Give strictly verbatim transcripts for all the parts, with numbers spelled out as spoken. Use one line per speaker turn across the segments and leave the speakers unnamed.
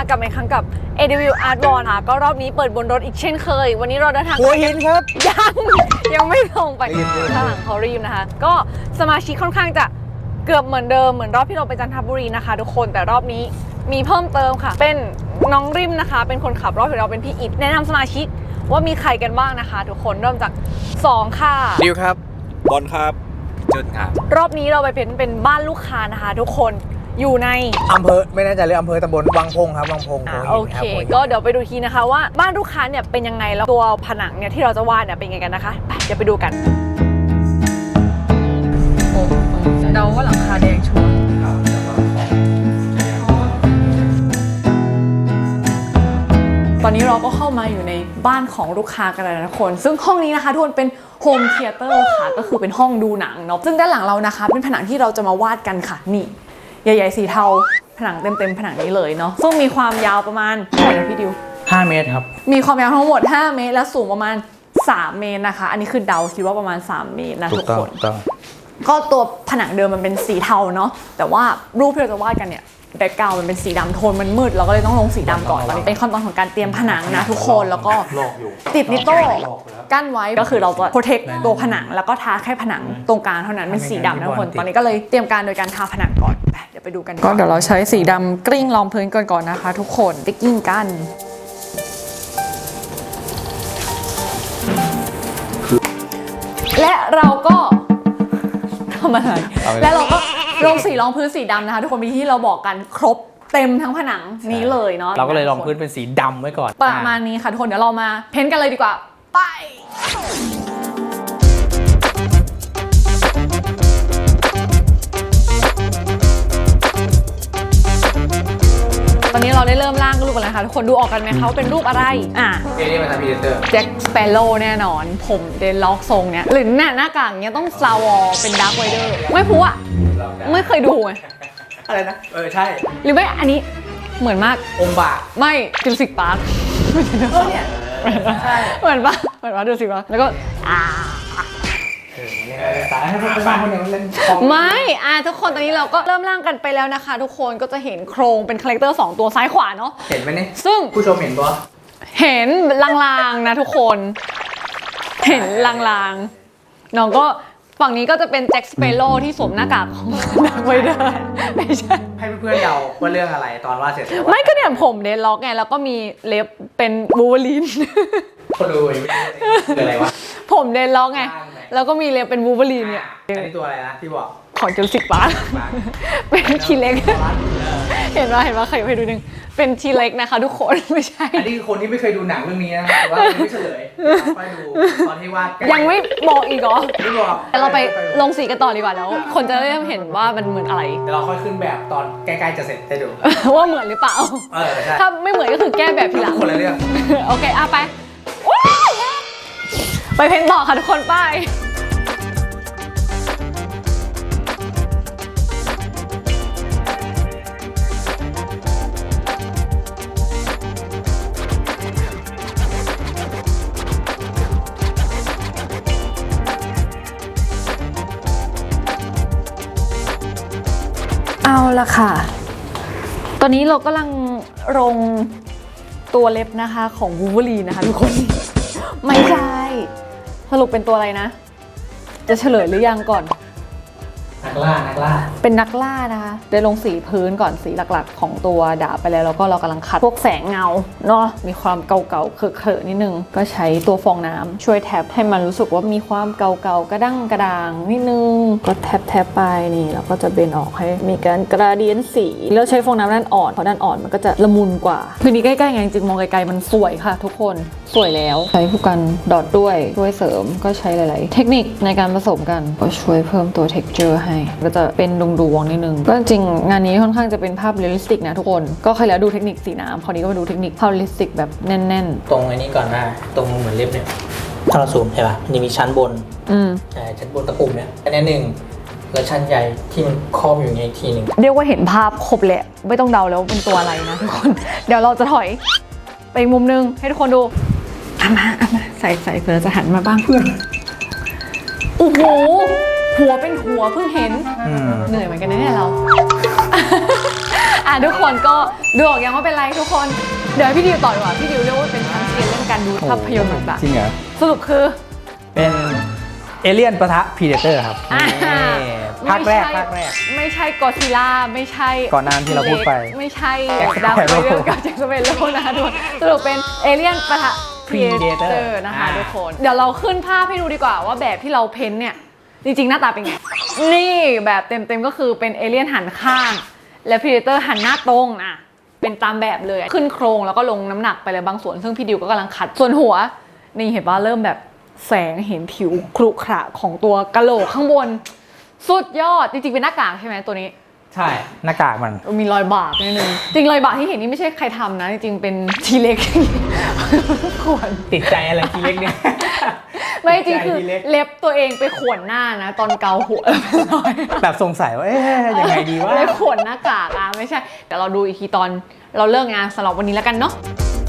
กับอีกครั้งกับ เอ ดี วิว Art Wall ค่ะก็รอบนี้เปิดบนรถอีกเช่นเคยวันนี้เราเดินทาง
หัวหินครับ
ยังยังไม่ลงไปข้างหลังเขารีบนะคะก็สมาชิกค่อนข้างจะเกือบเหมือนเดิมเหมือนรอบที่เราไปจันทบุรีนะคะทุกคนแต่รอบนี้มีเพิ่มเติมค่ะเป็นน้องริมนะคะเป็นคนขับรอบของเราเป็นพี่อิฐแนะนำสมาชิกว่ามีใครกันบ้างนะคะทุกคนเริ่มจากสองค่ะ
ดิวครับบอลครับ
จุดครับ
รอบนี้เราไปเป็นเป็นบ้านลูกค้านะคะทุกคนอยู่ใน
อำเภอไม่แน่ใจเลยอำเภอตำบลวังพงครับวังพง
อ่า
หัว
โอ
หิน
เค
รับหัวหิน
ก็เดี๋ยวไปดูทีนะคะว่าบ้านลูกค้าเนี่ยเป็นยังไงแล้วตัวผนังเนี่ยที่เราจะวาดเนี่ยเป็นยังไงกันนะคะไปเดี๋ยวไปดูกันโอ้เดาว่าหลังคาแดงชัวร์ตอนนี้เราก็เข้ามาอยู่ในบ้านของลูกค้ากันแล้วนะทุกคนซึ่งห้องนี้นะคะทุกคนเป็นโฮมเธียเตอร์ค่ะก็คือเป็นห้องดูหนังเนาะซึ่งด้านหลังเรานะคะเป็นผนังที่เราจะมาวาดกันค่ะนี่ใหญ่ๆสีเทาผนังเต็มๆผนังนี้เลยเนาะซึ่งมีความยาวประมาณเท่าไหร่นะพี่ดิว
ห้าเมตรครับ
มีความยาวทั้งหมดห้าเมตรและสูงประมาณสามเมตรนะคะอันนี้คือเดาคิดว่าประมาณสามเมตรนะทุกคนก็ตัวผนังเดิมมันเป็นสีเทาเนาะแต่ว่ารูปที่เราจะวาดกันเนี่ยแบ็คกราวด์มันเป็นสีดำโทนมันมืดเราก็เลยต้องลงสีดำก่อนตอนนี้เป็นขั้นตอนของการเตรียมผนังนะทุกคนแล้วก็ติดนิโต้กั้นไว้ก็คือเราจะโปรเทคตัวผนังแล้วก็ทาแค่ผนังตรงกลางเท่านั้นเป็นสีดำนะทุกคนตอนนี้ก็เลยเตรียมการโดยการทาผนังก่อนไปเดี๋ยวไปดูกันก็เดี๋ยวเราใช้สีดำกลิ้งรองพื้นก่อนก่อนนะคะทุกคนไปกลิ้งกันและเราก็ทำอะไรและเราก็ลงสีรองพื้นสีดำนะคะทุกคนมีที่เราบอกกันครบเต็มทั้งผนังนี้เลยเนาะ
เราก็เลยลองพื้นเป็นสีดำไว้ก่อน
ประมาณนี้ค่ะทุกคนเดี๋ยวเรามาเพ้นท์กันเลยดีกว่าไปตอนนี้เราได้เริ่มร่างรูปกันแล้วค่ะทุกคนดูออกกันไหมคะว่าเป็นรูปอะไรอ่ะ
เอเลี่ยนมาทำพีเตอร์
แจ็คสเปโร่แน่นอนผมเดนล็อกทรงเนี้ยหรือหน้าหน้ากากเนี้ยต้องซาวอเป็นดาร์คไวเดอร์ไม่พูดอะไม่เคยดูไง
อะไรนะ เออ ใช่
หรือไม่อันนี้เหมือนมาก
องค์บาก
ไม่จูสิกปาร์ค
เออเนี่ยใช่
เหมือนปะเหมือนปะจูสิกปาร์คแล้วก็อ่า
เออเนี่ยสายให้พวกบ้านคนหนึ่งเล่นของ
ไม่อ่ะทุกคนตอนนี้เราก็เริ่มร่างกันไปแล้วนะคะ ทุกคนก็จะเห็นโครงเป็นคาแรคเตอร์สองตัวซ้ายขวาเนาะ
เห็นไหมเนี่ย
ซึ่ง
ผู้ชมเห็นปะ
เห็นลางๆนะทุกคน เห็นลางๆน้องก็ฝั่งนี้ก็จะเป็นแจ็คสเปโร่ที่สวมหน้ากากของดักไวเดอร์ไม่ใช่
ให้เพื่อนๆเดาว่าเรื่องอะไรตอนว่าเสร็จแล้ว
ไม่ก็เนี่ยผมเดนล็อกไงแล้วก็มีเล็บเป็นบูเวอรีน
คนดูยังไม่รู้คืออะไรวะ
ผมเดนล็อกไงแล้วก็มีเล็บเป็นบูเวอรีนเนี่ย
อันนี้ตัวอะไรนะที่บอก
ของจูสิกปาร์คเป็นทีเล็ก เห็นว่าเห็นว่าใครไปดูนึงเป็นทีเล็กนะคะทุกคนไม่ใช่
อันนี้คือคนที่ไม่เคยดูหนังเรื่องนี้นะแต่ว่ายังไม่เฉลยไปดูตอนที่วาดใกล้
ยังไม่บอกอีกเหรอ
ไม่บอก
แต่เราไปลงสีกันต่อดีกว่าแล้ว คนจะได้เห็นว่ามันเหมือนอะไร
เดี๋ยวเราค่อยขึ้นแบบตอนใกล้ๆจะเสร็จให้ดู
ว่าเหมือนหรือเปล่า
เออใช่
ถ้าไม่เหมือนก็คือแก้แบบทีหลัง
คนละเรื่อง
โอเคอ่ะไปว้าวไปเพ้นต่อค่ะทุกคนไปเอาละค่ะ ตอนนี้เรากำลังลงตัวเล็บนะคะของวูเวอรีนนะคะทุกคน ไม่ใช่ สรุปเป็นตัวอะไรนะ จะเฉลยหรือยังก่อน
นักล่านักล่า
เป็นนักล่านะคะได้ลงสีพื้นก่อนสีหลักๆ ของตัวดาบไปแล้วแล้วก็เรากำลังคัดพวกแสงเงาเนาะมีความเก่าๆเคอะๆนิดนึงก็ใช้ตัวฟองน้ำช่วยแท็บให้มันรู้สึกว่ามีความเก่าๆกระด้างกระด่างนิดนึงก็แท็บแท็บไปนี่แล้วก็จะเบนออกให้มีการกราเดียนสีแล้วใช้ฟองน้ำด้านอ่อนเพราะด้านอ่อนมันก็จะละมุนกว่าพื้นที่ใกล้ๆไงจริงๆมองไกลๆมันสวยค่ะทุกคนสวยแล้วใช้ผู้กันดอทด้วยช่วยเสริมก็ใช้หลายๆเทคนิคในการผสมกันก็ช่วยเพิ่มตัว texture ให้ก็จะเป็นดวงๆนิดนึงก็จริงงานนี้ค่อนข้างจะเป็นภาพเรียลลิสติกนะทุกคนก็เคยแล้วดูเทคนิคสีน้ำคราวนี้ก็มาดูเทคนิคภาพเรียลลิสติกแบบแน่น
ตรงอันนี้ก่อนนะตรงเหมือนเล็บเนี่ยถ้าเราซูมใช่ป่ะมันจะมีชั้นบน
ๆอืม
อ่าชั้นบนตะปุ่มเนี่ยอันนี้หนึ่งแล้วชั้นใหญ่ที่มันครอบอยู่ในอีกทีหนึ่ง
เรียกว่าเห็นภาพครบแหละไม่ต้องเดาแล้วว่าเป็นตัวอะไรนะทุกคน เดี๋ยวเราจะถอยไปอีกมุมนึงให้ทุกคนดูเอามาเอามาใส่ใส่เผื่อจะหันมาบ้างเพื่อนโอ้โหหัวเป็นหัวเพิ่งเห็นเหนื่อยเหมือนกันนะเนี่ยเราอ่ะทุกคนก็ดูออกยังว่าเป็นไรทุกคนเดี๋ยวให้พี่ดิวต่อดีกว่าพี่ดิวเรียกว่าเป็นชั้นเซียนเรื่องการดูภาพยนตร์ต่าง
จริงเหรอ
ๆสรุปคือ
เป็นเอเลี่ยนปะทะพีเดเตอร์ครับ
อ่า
นี่ภาคแรก
ไม่ใช่
ภาคแรก
ไม่ใช่กอซิล่าไม่ใช่
ก่อนหน้าที่เราพูดไป
ไม่ใช่
Jack
ดาวไป
Sparrow
เรื่องกับแจ็คสเปโร่นะคะทุกคนสรุปเป็นเอเลี่ยนปะทะ
Predator
Predator นะคะ
อ่า
ทุกคนเดี๋ยวเราขึ้นภาพให้ดูดีกว่าว่าแบบที่เราเพ้นเนี่ยจริงๆหน้าตาเป็นไง นี่แบบเต็มๆก็คือเป็นเอเลี่ยนหันข้าง และ Predator หันหน้าตรงนะเป็นตามแบบเลยขึ้นโครงแล้วก็ลงน้ำหนักไปเลยบางส่วนซึ่งพี่ดิวก็กำลังขัดส่วนหัวนี่เห็นว่าเริ่มแบบแสงเห็นผิวครุขระของตัวกะโหลกข้างบนสุดยอดจริงๆเป็นหน้ากากใช่ไหมตัวนี้
ใช่หน้ากากมัน
มีรอยบากนิดนึงจริงรอยบากที่เห็นนี่ไม่ใช่ใครทำนะจริงๆเป็นทีเล็ก ข่วน
ติดใจอะไรทีเล็กเนี่ย
ไม่จริงคือ
ทีเล็ก
เล็บตัวเองไปข่วนหน้านะ ตอนเกาหัวเป็นรอย
แบบสงสัยว่าเอ๊ะยังไงดีวะ
เลยข่วนหน้ากากอ่ะไม่ใช่เดี๋ยวเราดูอีกทีตอนเราเลิกงานสำหรับวันนี้แล้วกันเนาะ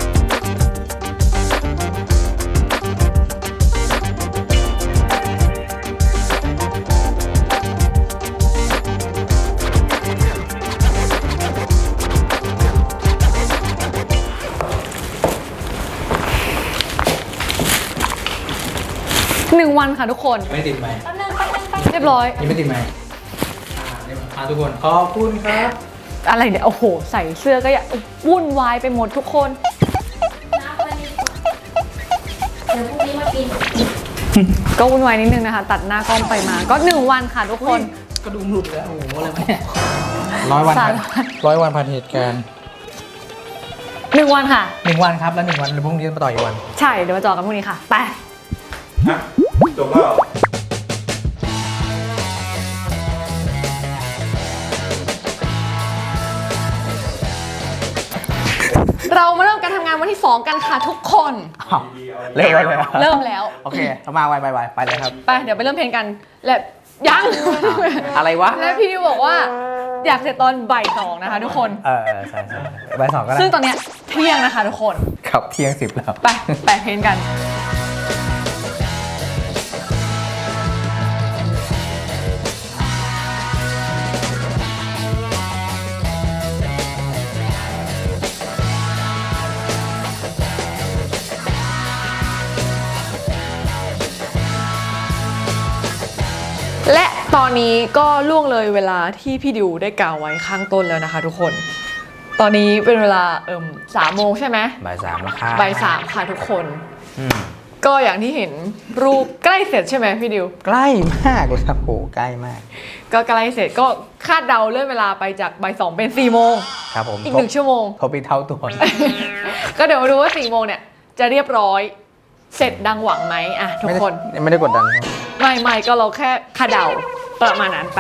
หนึ่งวันค่ะทุกคน
ไม่ติดไหม
เรียบร้อย
ยังไม่ติดไหมอ่าเรียบร้อยอ่าทุกคนขอบคุณครับ
อะไรเนี่ยโอ้โหใส่เสื้อก็อย่าวุ่นวายไปหมดทุกคน
น้ำวันนี้เดี๋ยวพรุ่งนี้มากิน
ก็วุ่นวายนิดนึงนะคะ ตัดหน้ากล้องไปมาก็หนึ่งวันค่ะทุกคน
กระดุมหลุดแล้วโอ้โหอะไรวะเนี่ย
ร้อยวัน
สาม
ผ่านร้อยวันผ่านเหตุการณ์
หนึ่งวันค่ะ
หนึ่งวันครับแล้วหนึ่งวันแล้วพรุ่งนี้มาต่ออีกวัน
ใช่เดี๋ยวมาจอกันพรุ่งนี้ค่ะไป
จบแล้ว
เรามาเริ่มการทำงานวันที่สองกันค่ะทุกคน
อ้าวเร็วไปเลยอะ
เริ่มแล้ว
โอเคเอามาไวไปไวไปเลยครับ
ไปเดี๋ยวไปเริ่มเพลงกันและยัง
อะไรวะ
และพี่ดิวบอกว่าอยากเสร็จตอนบ่ายสองนะคะทุกคน
เออเออใช่ใช่ใบสองก็ได้
ซึ่งตอนเนี้ยเที่ยงนะคะทุกคน
ขับเที่ยงสิบแล้ว
ไปแปะเพลงกัน และตอนนี้ก็ล่วงเลยเวลาที่พี่ดิวได้กล่าวไว้ข้างต้นแล้วนะคะทุกคน ตอนนี้เป็นเวลาเอิ่มสามโมงใช่ไหม
บ่ายสามแล้วค่ะ
บ่ายสามค่ะทุกคน
อืม
ก็อย่างที่เห็นรูปใกล้เสร็จใช่ไหมพี่ดิว
ใกล้มากเลยครับโหใกล้มาก
ก็ใกล้เสร็จก็คาดเดาเลื่อนเวลาไปจากบ่ายสองเป็นสี่โมง
ครับผม
อีกหนึ่งชั่วโมง
ทบอีกเท่าตัว
ก็เดี๋ยวมาดูว่าสี่โมงเนี่ยจะเรียบร้อยเสร็จดังหวังไหมอ่ะทุกคน
ไม่ได้กดดันครับ
ไม่ไม่ก็เราแค่คาดเดาประมาณนั้นไป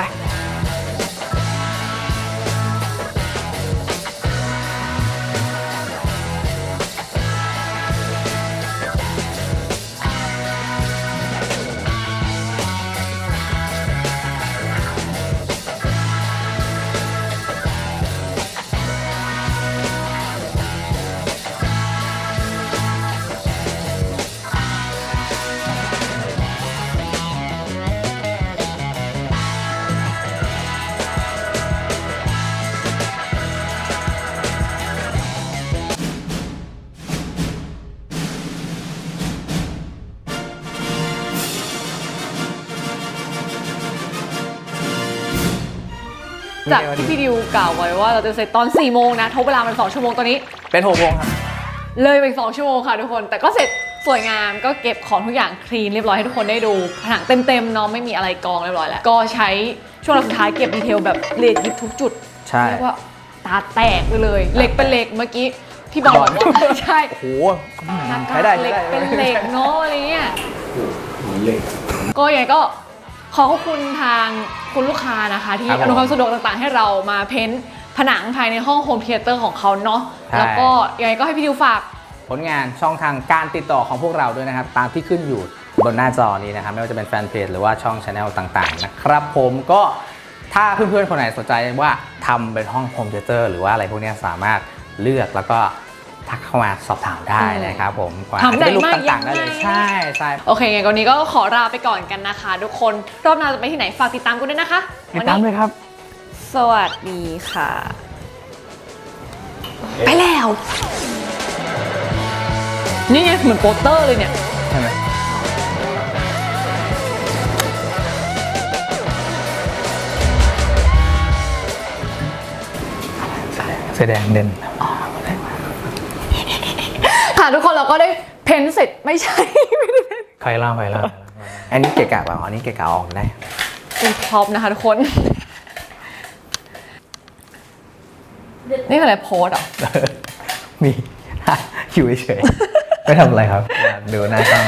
จากที่พี่ดิวกล่าวไว้ว่าเราจะเสร็จตอนสี่โมงนะทบเวลามันสองชั่วโมงตอนนี้
เป็นหกโมงครับ
เลยไปอีกสองชั่วโมงค่ะทุกคน แต่ก็เสร็จสวยงามก็เก็บของทุกอย่างคลีนเรียบร้อยให้ทุกคนได้ดูผนังเต็มๆเนาะไม่มีอะไรกองเรียบร้อยแล้วก็ใช้ช่วงสุดท้ายเก็บดีเทลแบบละเอียดยิบทุกจุด
ใช่
เรียกว่าตาแตกไปเลยเหล็กเป็นเหล็กเมื่อกี้พี่บอลบอกว่าใช่
โอ้โห
หน้า
ใช้
กาก
ได้
เหล็ก
ใช้ได้
เป็นเหล็กเนาะอะไรเงี้ยก็ยังไงก็ขอขอบคุณทางคุณลูกค้านะคะ ที่อำนวยความสะดวกต่างๆ ให้เรามาเพ้นท์ผนังภายในห้องโฮมเธียเตอร์ของเขาเนาะแล้วก็ยังไงก็ให้พี่ดิวฝาก
ผลงานช่องทางการติดต่อของพวกเราด้วยนะครับ ตามที่ขึ้นอยู่บนหน้าจอนี้นะครับ ไม่ว่าจะเป็นแฟนเพจหรือว่าช่องชาแนลต่างๆนะครับผมก็ถ้าเพื่อนๆคนไหนสนใจว่าทำเป็นห้องโฮมเธียเตอร์หรือว่าอะไรพวกนี้สามารถเลือกแล้วก็ทักเข้ามาสอบถามได้นะครับผม
ทำได้
รูป
มาก
ต่างๆได้เลย
ยังไง
ใช่ใช่
โอเคงั้นวันนี้ก็ขอลาไปก่อนกันนะคะ ทุกคนรอบหน้าจะไปที่ไหนฝากติดตามกันด้วยนะคะ
ติดตามเลยครับ
สวัสดีค่ะไปแล้ว นี่ไงเหมือนโปสเตอร์เลยเนี่ย
ใช่ไหมเสื้อแดงเด่น
ค่ะทุกคนเราก็ได้เพ้นท์เสร็จไม่ใช่ ไม่ได้เพ้นท์
ใครเล่าใครเล่าอันนี้เกะกะเปล่าอันนี้เกะกะออกได้
เป็นท็อปนะคะทุกคน นี่คืออะไรโพสเหรอ
มี อยู่เฉยๆไม่ทำอะไรครับดูหน้าช่อง